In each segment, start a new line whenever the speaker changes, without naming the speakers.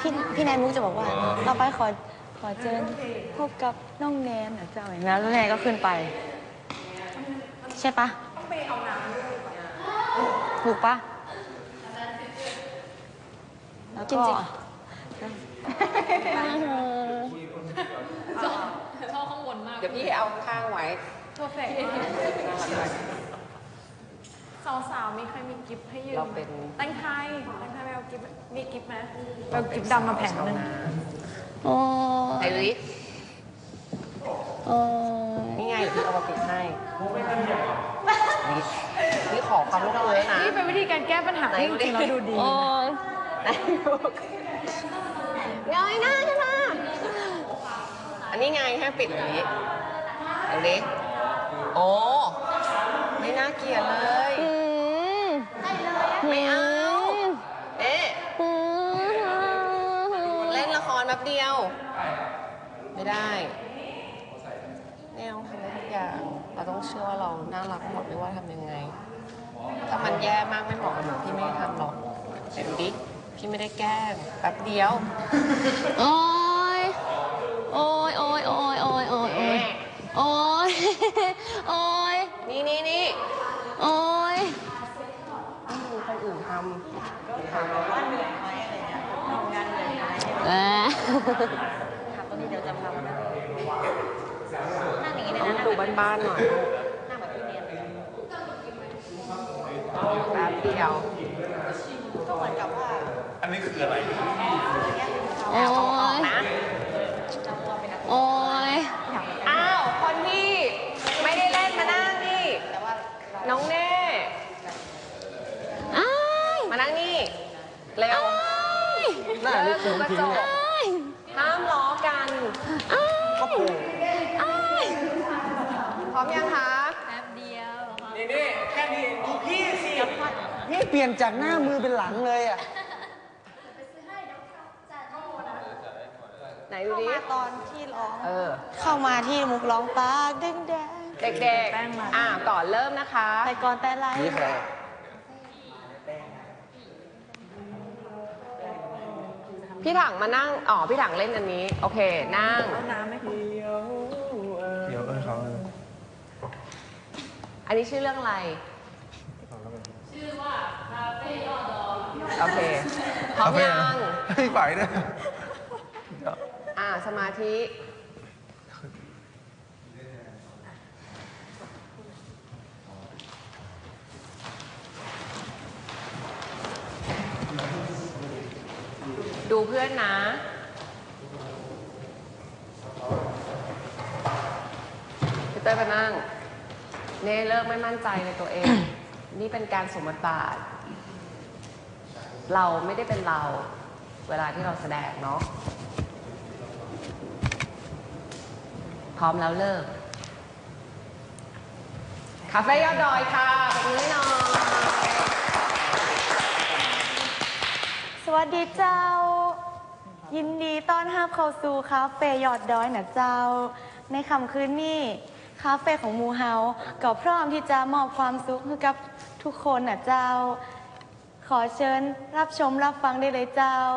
พี่แนนมุกจะบอกว่าต่อไปขอเชิญพบกับน้องแนนนะเจ้าอย่างนั้นแล้วแนนก็ขึ้นไปใช่ปะต้องไปเอาน้ำด้วยถูกปะแล้วก็
ชอบข้างบนมาก
เดี๋ยวพี่เอาข้างไว้
เพอร์เฟกต์สาวๆมีใครมีกิฟต์ให้ยืมเราเป็นแตงไทยไม่เอากิฟต์มีกิฟต์ไหมเอากิฟต์ดำมาแผงหนึ่ง
โอ้
ไอริสนี่ไงเดี๋ยวพี่เอามาปิดให้นี่ขอความร่วมมือนะ
นี่เป็นวิธีการแก้ปัญหาที่จริงๆเราดูดี
เงยหน้าใช่ไหมอันนี้ไงให้ปิดอย่างนี้เอาดิโอ้ไม่น่าเกลียดเลยไม่เอาเอ๊ะเล่นละครแป๊บเดียวไม่ได้แนวทำได้ทุกอย่างเราต้องเชื่อว่าเราน่ารักหมดไม่ว่าทำยังไงถ้ามันแย่มากไม่เหมาะกับหนูพี่ไม่ทำหรอกแต่ดูดิพี่ไม่ได้แกล้งแป๊บเดียว
โอ้ยโอ้ยโอ้ยโอ้ยโอ้ยโอ้ยโอ้ยโอ้ยโอ้ย
นี่
โอ้ย
ไม่ดูคนอื่นทำถามว่าเหนื่อยไหมอะไรเงี้ยทำงานเหนื่อยไหม
ถามตรงนี้เดี๋ยวจะพามานั่งอย่างนี้เลยนะ
ดูบ้านๆหน่อย
นั่งแบบพี่เนียน
แป๊บเดียว
ก็เหมือนกับว่า
อันนี้คืออะไร
โอ้ยโอ้ย
อ้าวคนที่ไม่ได้เล่นมานั่งนี่น้องเน่มานั่งนี่เร็ว
น่า
เลิกดูกระจกห้ามล้อกันก็ปูพร้อมยังคะ
แป๊บเดียว
นี่แค่นี้ดูพี่สิ
นี่เปลี่ยนจากหน้ามือเป็นหลังเลยอ่ะ
ไหนดูดิ
ตอนที่ร้องเข้ามาที่มุกร้องปากแดง
เด็กๆก่อนเริ่มนะคะ
แต่ก่อนแต่ไร
นี่ใคร
พี่ถังมานั่งพี่ถังเล่นอันนี้โอเคนั่ง
เอาน้ำไหมคะ
เดี๋ยวเขา
อันนี้ชื่อเรื่องอะไรชื่อว่าคาเฟ่ยอดดอยโอเคพร้อมยัง
ไม่ไหวนะ
สมาธิดูเพื่อนนะพี่เต้ยไปนั่งเน่เลิกไม่มั่นใจในตัวเอง นี่เป็นการสมบทบาทเราไม่ได้เป็นเราเวลาที่เราแสดงเนาะพร้อมแล้วเลิกคาเฟ่ยอดดอยค่ะขอบคุณหน่อย
สวัสดีเจ้ายินดีต้อนรับเข้าสู่คาเฟ่ยอดดอยนะเจ้าในค่ำคืนนี้คาเฟ่ของมูเฮาก็พร้อมที่จะมอบความสุขให้กับทุกคนนะเจ้าขอเชิญรับชมรับฟังได้เลยเจ้า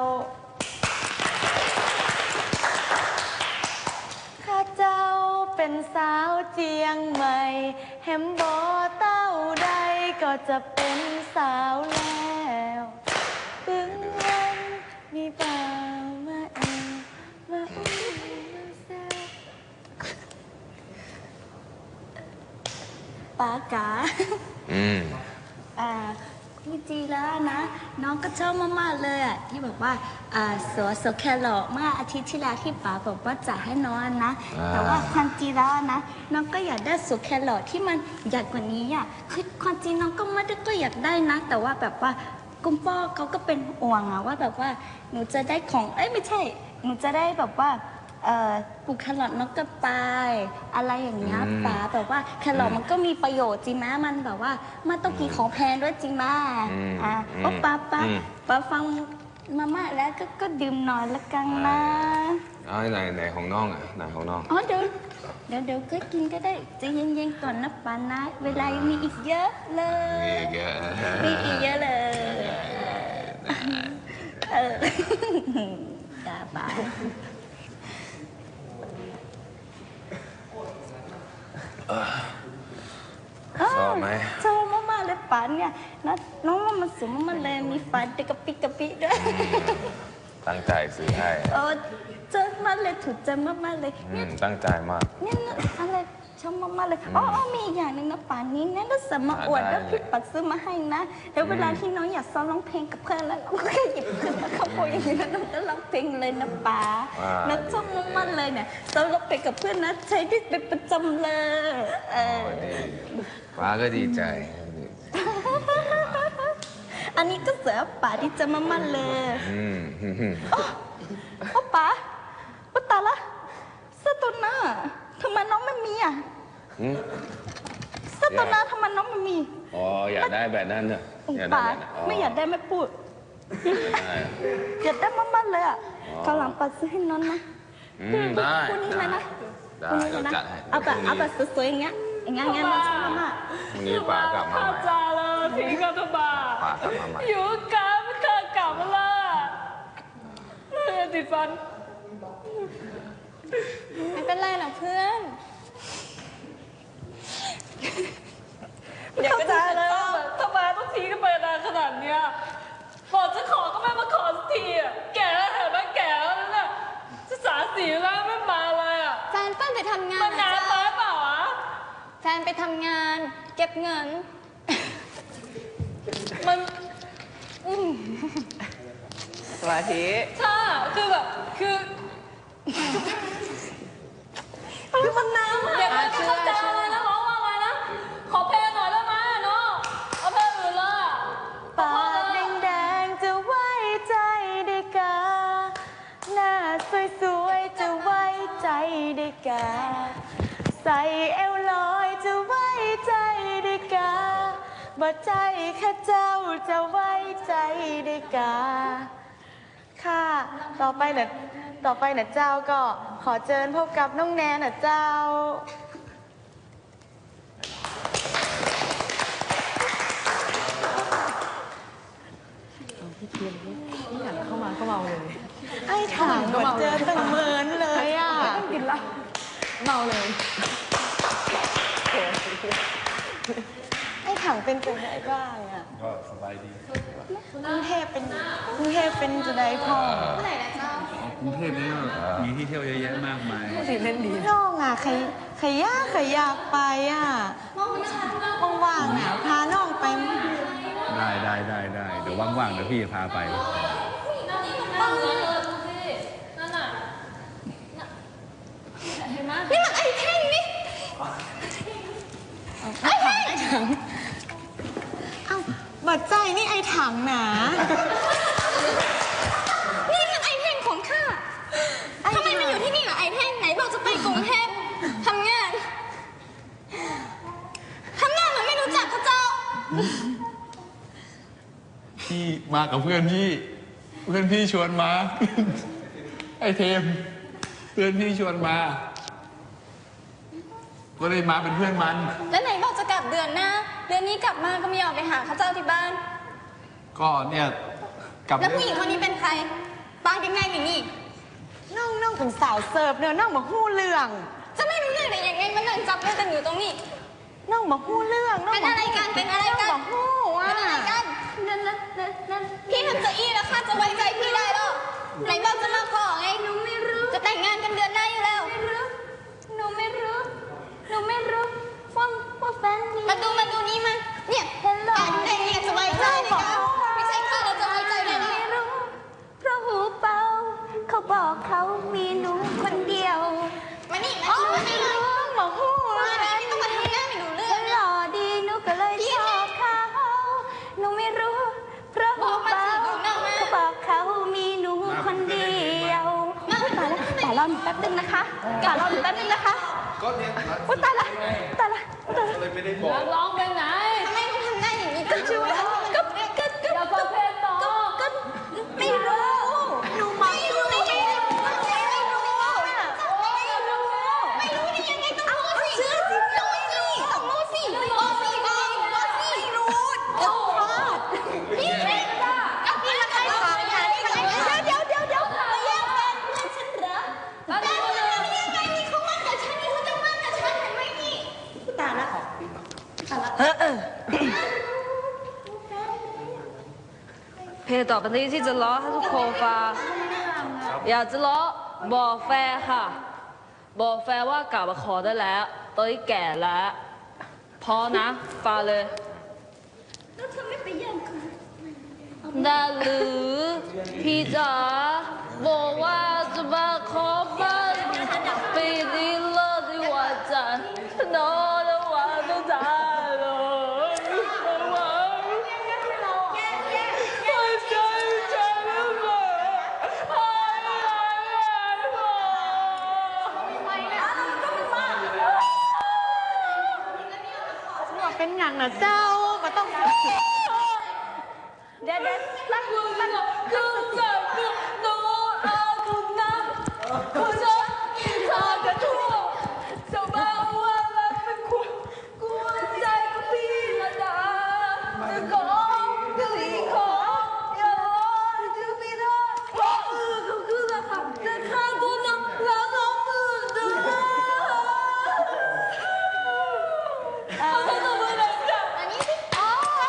ข้าเจ้าเป็นสาวเจียงใหม่แฮมบอเต้าใดก็จะเป็นสาวแล้วถึงวันมีเปล่ามามาอุ้มมาแซวปากาพี่จีแล้วนะน้องก็ชอบมากๆเลยอ่ะที่บอกว่าสวแครอทเมื่ออาทิตย์ที่แล้วที่ป๋าบอกว่าจะให้น้องนะแต่ว่าความจริงแล้วนะน้องก็อยากได้สวแครอทที่มันใหญ่กว่านี้อ่ะคือความจริงน้องก็ไม่ได้ก็อยากได้นะแต่ว่าแบบว่าคุณพ่อเขาก็เป็นห่วงอะว่าแบบว่าหนูจะได้ของไม่ใช่หนูจะได้แบบว่าปลูกแครอทนกกระปายอะไรอย่างเงี้ยป๋าแบบว่าแครอทมันก็มีประโยชน์จริงไหมมันแบบว่ามันต้องกินของแพงด้วยจริงไหมป้าฟังมาม่าแล้วก็ดื่มหน่อยละกันนะ
ไหนของน้องอ่ะไหนของน้อง
เดี๋ยวก็กินก็ได้จะเย็นๆก่อนนะป๋านะเวลายังมีอีกเยอะเลยมีอีกเยอะเลยจ้าป๋า
ชอบไหม
ชอบมากๆเลยป๋าเนี่ยนะน้องว่ามันสวยมากๆเลยมีฟันเด็กกระปิกระปิด้วย
ตั้งใจซื้อให้
เจอมากเลยถูกใจมากๆเลยเนี่ย
ตั้งใจมาก
เนี่ยอะไรชอบมากๆเลยอ๋อมีอีกอย่างหนึ่งนะป่านนี้นะถ้าสมาอวดแล้วพี่ปัดซื้อมาให้นะแล้วเวลาที่น้องอยากซ้อมร้องเพลงกับเพื่อนแล้วเราก็แค่หยิบขึ้นมาขโมยอย่างนี้แล้วน้องก็ร้องเพลงเลยนะป๋านะชอบมากๆเลยเนี่ยซ้อมร้องเพลงกับเพื่อนนะใช้ได้เป็นประจำเลย
ป้าก็ดีใจ
อันนี้ก็เสือป๋าที่จะมากๆเลย โอ้ป๋าตายละเสื้อตัวหน้าทำไมน้องไม่มีอ่ะเสื้อตัวหน้าทำไมน้องไม่มี
อ๋ออยากได้แบบนั้นเนอะอยากได้
ป๋า
แบบนั้น
ไม่อยากได้ไม่พูด
ได้
อยากได้มากๆเลยอ่ะกำลังปัดซื้อให้น้องนะ
ได้
คู่นี้เลยนะ
ได้
คู่นี้เล
เรา
ยนะ
จัดให้
เอาแบบสวยๆอย่างเงี้ยน้องชอบมาก
พรุ่งนี้ป้ากลับมาใหม่
จ้าเลยทิ้งกันทำไม
ป้ากลับมาใหม่
อยู่กันไม่เคยกลับมาละติดฟัน
ไม่เป็นไรหรอกเพื่อน
อยากจะเลยว่าทำไมต้องทิ้งกันไปนานขนาดเนี้ยบอกจะขอก็ไม่มาขอสักทีอ่ะแก่แล้วเถอะแม่แก่แล้วนั่นน่ะจะ34แล้วไม่มาเลยอ่ะ
แฟนเปิ้ลไปทำงาน
มันนานไปเปล่าอ่ะ
แฟนไปทำงาน เก็บเงิน
มัน
สมาธิ
ถ้าคือแบบคือมันน้ำอ่ะเดี๋ยวมันจะเข้าใจอะไรนะร้องว่าอะไรนะขอเพลงหน่อยได้ไหมเนาะเอาเพลงอื่นเลยอ่ะ
ปากแดงๆจะไว้ใจได้กาหน้าสวยๆจะไว้ใจได้กาใส่เอวลอยจะไว้ใจได้กาบ่ใจข้าเจ้าจะไว้ใจได้กาค่ะต่อไปน่ะเจ้าก็ขอเชิญพบกับน้องแนนน่ะเจ้า ไอ้ถังก็เจอตั้งเหมือนเลยอ่ะต้องกินละเมาเลยไอ้ถังเป็นจังไดบ้างอ่ะก็สบายดีกรุงเทพเป็นจะได้พ่อ
กรุงเทพเนี่ยมีที่เที่ยวเยอะแยะมากมาย
น้องอ่ะใครอยากไปอ่ะว่างๆอ่ะพาน้องไป
ได้เดี๋ยวว่างๆเดี๋ยวพี่จะพาไป
นั่นน่ะเห็นไหม
นี่มันไอ้แท่งนี่ไอ้แท่ง
เอ้าบัดใจนี่ไอ้ถังหนา
นี่มันไอ้แท่งของข้าทำไมมาอยู่ที่นี่ล่ะไอ้แท่งไหนบอกจะไปกรุงเทพทำงานเหมือนไม่รู้จักพระเจ้า
พี่มากับเพื่อนพี่ชวนมา ไอเทมเพื่อนพี่ชวนมา ก็เลยมาเป็นเพื่อนมัน
แล้วไหนบอกจะกลับเดือนหน้า เดือนนี้กลับมาก็ไม่ยอมไปหาข้าเจ้าที่บ้าน
ก็เนี่ยกลับ
แล้วผู้หญิงคนนี้เป็นใครปางยังไงหรือนี่
น้องเป็นสาวเสิร์ฟเนอะน้องมาหู้เรื่อง
จะไม่รู้เรื่องได้ยังไงมันนั่งจับเรื่องกันอยู่ตรงนี้
น้องมาหู้เรื่องน้อง
เป็นอะไรกัน เป็นอะไรกัน
น้องมาหู้อ่ะ
เป็นอะไรกันนั่นพี่ทำจะอี้แล้วข้าจะไว้ใจพี่ได้หรอไหนบอกจะมาขอไงหนูไม่รู้ จะแต่งงานกันเดือนหน้าอยู่แล้ว
หนูไม่รู้ว่าแฟนนี่
มาดูนี่มาเนี่ยการแต่งงานจะไว้ใจได้กันไม่ใช่ข้าเราจะไว้ใจได้ไหม
ไม่รู้เพราะหูเบาเขาบอกเขามีหนูคนเดียว
มานี่มานี่เลย
มาหู้
มาเลยไม่ต้องมาทำหน้าไม่รู้เรื่อง
หล่อดีหนูก็เลยชอบเขาหนูไม่รู้เพราะหูเบาเขาบอกเขามีหนูคนเดียวตายแล้วแป๊บนึงนะคะอุ๊ยตายละ
ร้องไปไหน
ทำไมต้องทำหน้าอย่างนี้กันช่วย
อย่าฟังเพลงต่อ
ไม่รู้หนูไม่รู้ได้ยังไงต้องพูดสิต้องรู้สิบอกสิไม่รู้พี่กับพี่ละใครถามหาที่ไหน
เพลงต่อไปนี้ที่จะร้องให้ทุกคนฟังอยากจะร้องบอกแฟนค่ะ บอกแฟนว่ากลับมาขอได้แล้วตอนนี้แก่แล้วพอนะฟังเลย
แล้วเธอไม่ไปแย่งเขา
ได้หรือพี่จ๋าบอกว่าจะมาขอบ้านปีนี้เลิกดีกว่าจันนอนแล้ววันต้องจ่ายเลย
เป็นอย่างนะเจ้ามาต้อง
เดี๋ยวรักมึงมัน
คือจะคือโนอาคุณนะคุณจะกินทอดกระทั่วจะมาว่ารักเป็นคุณกวนใจกับพี่ละดาจะขอจะรีขออย่าร้องจะไม่ได้เพราะก็คือราคาจะฆ่าตัวน้องแล้วน้องมือเด้อเขาจะทำอะไรกัน
อันนี้สิอ๋อ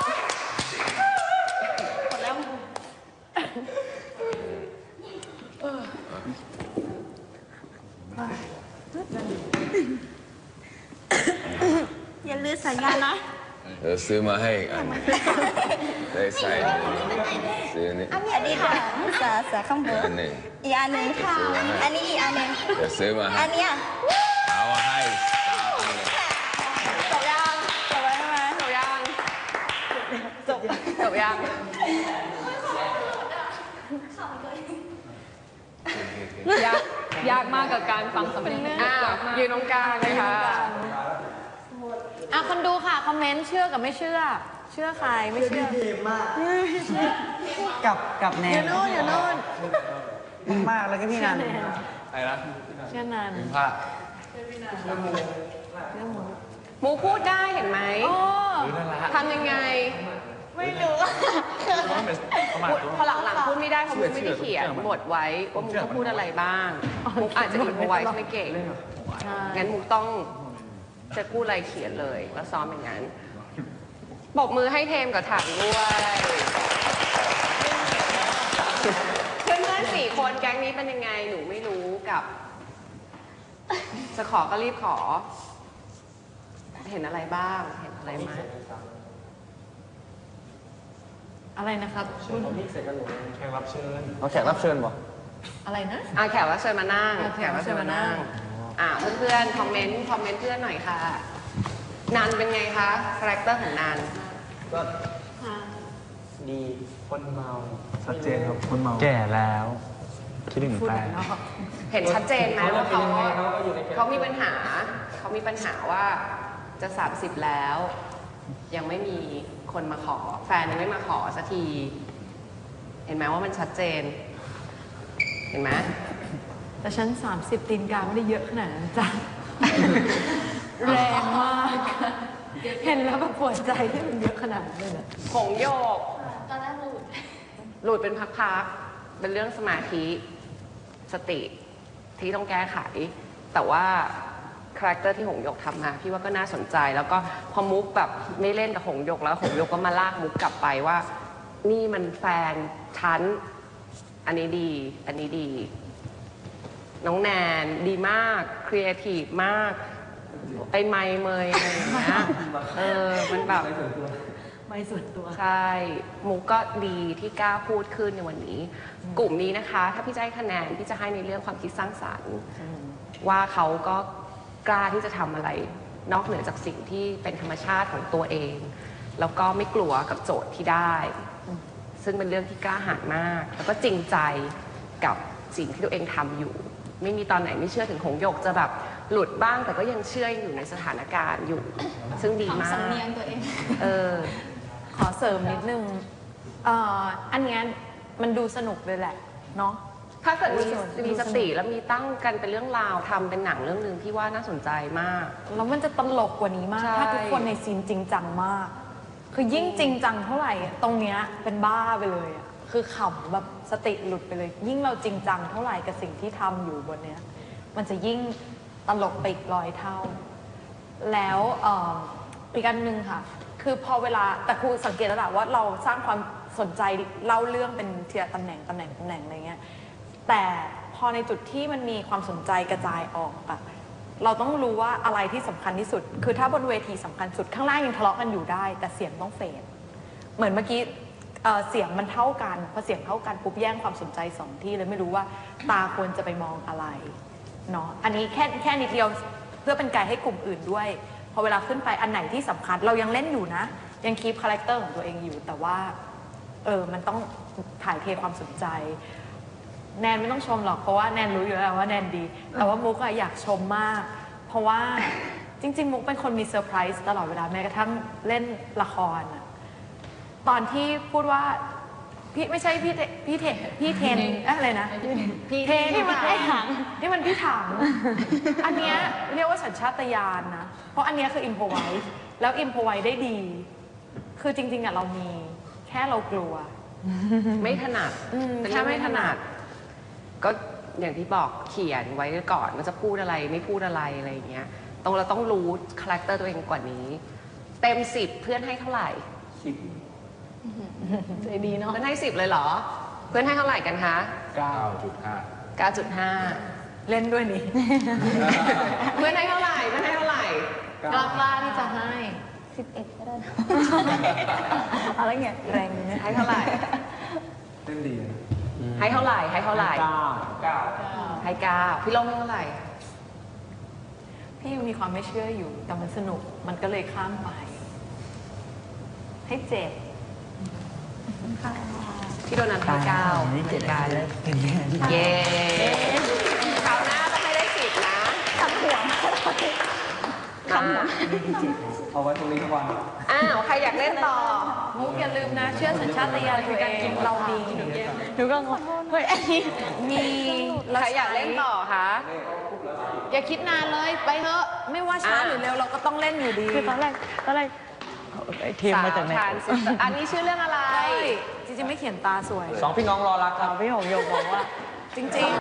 อย่าลืมสัญญานะ
เดี๋ยวซื้อมาให้อีกอันได้ใส่ซื้อนี่
อันนี้ค่ะเสือข้างบน
อันหนึ่ง
อีกอันหนึ่งค่ะ อันนี้อีกอันหนึ่ง
เดี๋ยวซื้อมาให้
อันเนี้ย
เอาให้ตามเลย
จบยัง
จบแล้วใช่ไหม
จบยังจบยัง
ยากมากกับการฟังสำเนียง
ยืนตรงกลางเลยค่ะ
คนดูค่ะ คอมเมนต์เชื่อกับไม่เชื่อ เชื่อใครไม่เชื่อ
กับแนน
อยู่นู่นอยู่นู่น
มากแล้วก็พี่นัน
อะไรนะ
เชื่อนาน
ผ้า
หมูพูดได้เห็นไหม
โอ้
ทำยังไง
ไม่รู้
พอหลังๆพูดไม่ได้เพราะมุกไม่ได้เขียนบทไว้ว่ามุกต้องพูดอะไรบ้างมุกอาจจะอินพอไว้ไม่เก่งงั้นมุกต้องจะพูดอะไรเขียนเลยแล้วซ้อมอย่างนั้นปรบมือให้เทมกับถังด้วยเพื่อนๆ4 คนแก๊งนี้เป็นยังไงหนูไม่รู้กับจะขอก็รีบขอ เห็นอะไรบ้างเห็นอะไรไหม
อะไรนะครับ
แขกรับเชิญ
เอาแขกรับเชิญบ่
อะไรนะ
แขกรับเชิญมานั่ง
แขกรับเชิญมานั่ง
เพื่อนๆคอมเมนต์เพื่อนหน่อยค่ะนันเป็นไงคะคาแรคเตอร์ของนัน
ก็ดี
คนเมาชัดเจนครับคนเมาแก่แล้วคิดถึงแฟน
เห็นชัดเจนไหมว่าเขามีปัญหาว่าจะ30แล้ว ยังไม่มีคนมาขอแฟนยังไม่มาขอสักที เห็นไหมว่ามันชัดเจน เห็นไหม
แต่ฉัน30ตีนกาไม่ได้เยอะขนาดนั้นจ้ะ แรงมาก เห็นแล้วแบบปวดใจที่มันเยอะขนาดนั้นเลยนะ
หงโยกหลุดเป็นพักๆเป็นเรื่องสมาธิสติที่ต้องแก้ไข แต่ว่าคาแรคเตอร์ที่หงโยกทำมาพี่ว่าก็น่าสนใจ แล้วก็พอมุกแบบไม่เล่นกับหงโยกแล้วหงโยกก็มาลากมุกกลับไปว่า นี่มันแฟนฉันอันนี้ดีอันนี้ดี น้องแนนดีมากครีเอทีฟมากไปไมเมยอะไรอย่างเงี้ยมันแบบ
ไม่ส่วนตัว
ใช่ มุกก็ดีที่กล้าพูดขึ้นในวันนี้ กลุ่มนี้นะคะ ถ้าพี่จะให้คะแนนพี่จะให้ในเรื่องความคิดสร้างสรรค์ว่าเขาก็กล้าที่จะทำอะไร นอกเหนือจากสิ่งที่เป็นธรรมชาติของตัวเอง แล้วก็ไม่กลัวกับโจทย์ที่ได้ ซึ่งเป็นเรื่องที่กล้าหาญมาก แล้วก็จริงใจกับสิ่งที่ตัวเองทำอยู่ ไม่มีตอนไหนไม่เชื่อถึงหงโยกจะแบบหลุดบ้าง แต่ก็ยังเชื่ออยู่ในสถานการณ์อยู่ ซึ่งดีมาก
สำเนียงตัวเอง
ขอเสริมนิดนึงอันเนี้ยมันดูสนุกเลยแหละเนาะ
ถ้าเกิดมีสติแล้วมีตั้งกันเป็นเรื่องราวทำเป็นหนังเรื่องหนึ่งที่ว่าน่าสนใจมาก
แล้วมันจะตลกกว่านี้มาก
ใช่
ถ้าทุกคนในซีนจริงจังมาก คือยิ่งจริงจังเท่าไหร่อะตรงเนี้ยเป็นบ้าไปเลยอะคือขำแบบสติหลุดไปเลย ยิ่งเราจริงจังเท่าไหร่กับสิ่งที่ทำอยู่บนเนี้ยมันจะยิ่งตลกไปอีก100 เท่า แล้วอีกอันหนึ่งค่ะคือพอเวลาแต่ครูสังเกตแล้วแหละว่าเราสร้างความสนใจเล่าเรื่องเป็นทีละตำแหน่งอะไรเงี้ยแต่พอในจุดที่มันมีความสนใจกระจายออกอะเราต้องรู้ว่าอะไรที่สำคัญที่สุดคือถ้าบนเวทีสำคัญสุดข้างล่างยังทะเลาะกันอยู่ได้แต่เสียงต้องเฟดเหมือนเมื่อกี้เสียงมันเท่ากันพอเสียงเท่ากันปุ๊บแย่งความสนใจสองที่เลยไม่รู้ว่าตาควรจะไปมองอะไรเนาะอันนี้แค่นิดเดียวเพื่อเป็นไกด์ให้กลุ่มอื่นด้วยพอเวลาขึ้นไปอันไหนที่สำคัญเรายังเล่นอยู่นะยังคีปคาแรคเตอร์ของตัวเองอยู่แต่ว่ามันต้องถ่ายเทความสนใจแนนไม่ต้องชมหรอกเพราะว่าแนนรู้อยู่แล้วว่าแนนดีแต่ว่ามุกอยากชมมากเพราะว่าจริงๆมุกเป็นคนมีเซอร์ไพรส์ตลอดเวลาแม้กระทั่งเล่นละครอะตอนที่พูดว่าพี่ไม่ใช่พี่เทนอะไรนะพี่เทนนี่มันพี่ถังอันเนี้ยเรียกว่าสัญชาตญาณนะเพราะอันเนี้ยคืออิมพอไวส์แล้วอิมพอไวส์ได้ดีคือจริงๆอะเรามีแค่เรากลัว
ไม่ถนัดเป็นเรื่องไม่ถนัดก็อย่างที่บอกเขียนไว้ก่อนว่าจะพูดอะไรไม่พูดอะไรอะไรอย่างเงี้ยเราต้องรู้คาแรคเตอร์ตัวเองกว่านี้เต็ม10เพื่อนให้เท่าไหร่
ใจดีเนาะ
เพื่อนให้10เลยเหรอเพื่อนให้เท่าไหร่กันคะ 9.5
เล่นด้วยนี่
เพื่อนให้เท่าไหร่เพื่อนให้เท่าไหร่
กล้าที่จะให้
11ก็ได้นะ
อะไรเงี้ยแรงเนี่ย
ให้เท่าไหร่
เล่นดี
ให้เท่าไหร่ให้เท่าไหร่
9
ให้9พี่ลงให้เท่าไหร่
พี่ยังมีความไม่เชื่ออยู่แต่มันสนุกมันก็เลยข้ามไปให้7
พี่โดนัทให้9เหมือนกันเย้คราวหน้าต้องให้ได้10นะทำหัวมา
เอาไว้ตรงนี้ทุกวัน
อ้าวใครอยากเล่นต่อ
มุกอย่าลืมนะเชื่อสัญชาตญาณตัวเองเรามีหนูก็งงเฮ้ยอันนี้มี
ใครอยากเล่นต่อคะ
อย่าคิดนานเลยไปเถอะไม่ว่าช้าหรือเร็วเราก็ต้องเล่นอยู่ดี
คือตอนแรกไอ้เทมมาจากไหน
สวทานสิอันนี้ชื่อเรื่องอะไร
จริงๆไม่เขียนตาสวย
2 พี่น้องรอรักครับ
พี่หงโยกบอกว่า จริงๆ